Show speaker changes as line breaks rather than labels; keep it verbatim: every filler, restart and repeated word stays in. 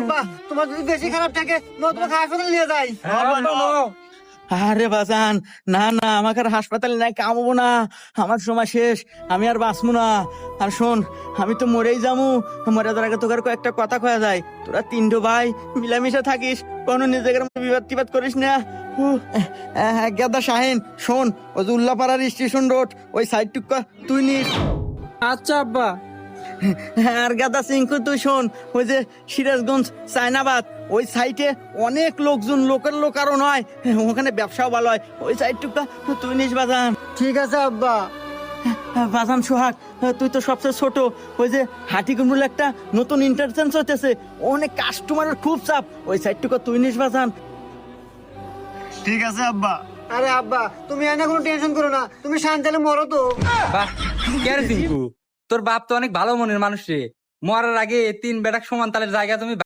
আব্বা তোমার যদি বেশি খারাপ থাকে নো তোমাকে হাসপাতালে নিয়ে যাই।
আরে বাজান, না না, আমাকে আর হাসপাতালে নাই কামবো না, আমার সময় শেষ, আমি আর বাঁচবো না। আর শোন, আমি তো মরেই যামু, মরে যাওয়ার আগে তোকে আর কয়েকটা কথা কয়া যায়। তোরা তিনটো ভাই মিলামিশা থাকিস, কোনো নিজেদের মধ্যে বিবাদ টিবাদ করিস না। উহ, আহ, গেদা শাহিন, শোন, ওই যে উল্লাপাড়ার স্টেশন রোড ওই সাইড টুকা তুই নিস।
আচ্ছা আব্বা।
আর গাদা সিংকু তুই শোন, ওই যে সিরাজগঞ্জ চায়নাবাদ ওই সাইটে অনেক লোকজন, লোকের লোক আরো নয়, ওখানে ব্যবসাও ভালো হয়, ওই সাইডটুকটা তুই নিস বাজান।
ঠিক আছে আব্বা।
বাজান সোহাগ, তুই তো সবচেয়ে ছোট, ওই যে হাটিকুমরুল একটা নতুন ইন্টারচেঞ্জ হতেছে, অনেক কাস্টমারের খুব চাপ, ওই সাইডটুকু তুই নিস বাজান।
ঠিক আছে আব্বা। আরে আব্বা তুমি এনে কোনো টেনশন করো না, তুমি শান্তালে মরো তো।
বাহ, কে রে টিঙ্কু, তোর বাপ তো অনেক ভালো মনের মানুষ রে। মরার আগে তিন বেটাক সমান তালের জায়গা তুমি